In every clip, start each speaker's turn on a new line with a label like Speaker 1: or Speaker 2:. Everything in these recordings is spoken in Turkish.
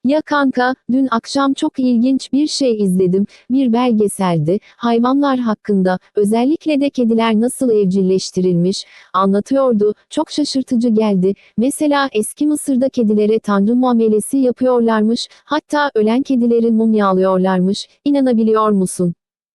Speaker 1: Ya kanka, dün akşam çok ilginç bir şey izledim. Bir belgeseldi. Hayvanlar hakkında, özellikle de kediler nasıl evcilleştirilmiş, anlatıyordu. Çok şaşırtıcı geldi. Mesela eski Mısır'da kedilere tanrı muamelesi yapıyorlarmış. Hatta ölen kedileri mumyalıyorlarmış. İnanabiliyor musun?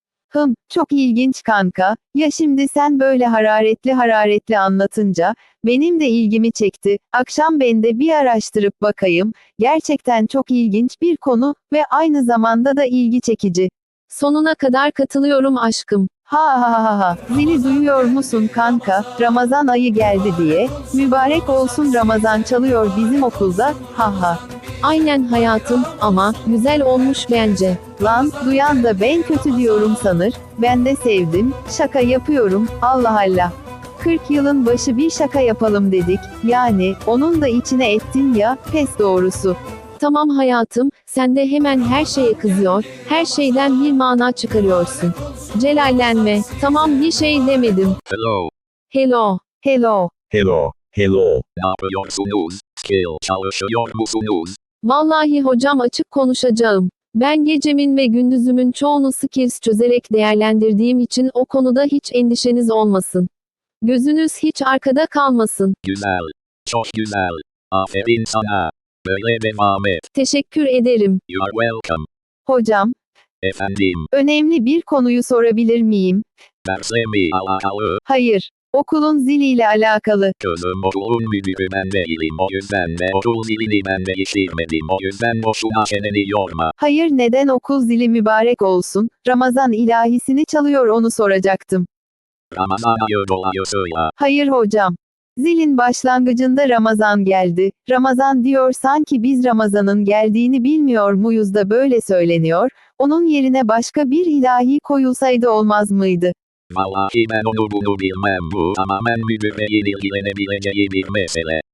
Speaker 2: Çok ilginç kanka. Ya şimdi sen böyle hararetli hararetli anlatınca, benim de ilgimi çekti. Akşam ben de bir araştırıp bakayım. Gerçekten çok ilginç bir konu ve aynı zamanda da ilgi çekici.
Speaker 1: Sonuna kadar katılıyorum aşkım.
Speaker 2: Ha ha ha ha. Zili duyuyor musun kanka? Ramazan ayı geldi diye. Mübarek olsun Ramazan çalıyor bizim okulda. Ha ha.
Speaker 1: Aynen hayatım, ama güzel olmuş bence.
Speaker 2: Lan, duyan da ben kötü diyorum sanır. Ben de sevdim. Şaka yapıyorum. Allah Allah. 40 yılın başı bir şaka yapalım dedik. Yani, onun da içine ettin ya, pes doğrusu.
Speaker 1: Tamam hayatım, sen de hemen her şeye kızıyor, her şeyden bir mana çıkarıyorsun. Celallenme, tamam bir şey demedim.
Speaker 3: Hello.
Speaker 1: Hello.
Speaker 2: Hello.
Speaker 4: Hello, hello.
Speaker 3: Ne yapıyorsunuz? Skill çalışıyor musunuz?
Speaker 1: Vallahi hocam açık konuşacağım. Ben gecemin ve gündüzümün çoğunu skills çözerek değerlendirdiğim için o konuda hiç endişeniz olmasın. Gözünüz hiç arkada kalmasın.
Speaker 3: Güzel. Çok güzel. Aferin sana. Böyle devam et.
Speaker 1: Teşekkür ederim.
Speaker 3: You are welcome.
Speaker 2: Hocam,
Speaker 3: Efendim.
Speaker 2: önemli bir konuyu sorabilir miyim?
Speaker 3: Dersle mi alakalı?
Speaker 2: Hayır. Okulun ziliyle alakalı.
Speaker 3: Kızım okulun müdürü ben değilim. O yüzden de okul zilini ben değiştirmedim. O yüzden boşuna çeneni yorma.
Speaker 2: Hayır, neden okul zili mübarek olsun? Ramazan ilahisini çalıyor, onu soracaktım.
Speaker 3: Ramazan ayı dolayısıyla.
Speaker 2: Hayır hocam. Zilin başlangıcında Ramazan geldi. Ramazan diyor, sanki biz Ramazan'ın geldiğini bilmiyor muyuz da böyle söyleniyor. Onun yerine başka bir ilahi koyulsaydı olmaz mıydı?
Speaker 3: Vallahi ben onu bunu bilmem, bu tamamen müdürle ilgilenebileceği bir mesele.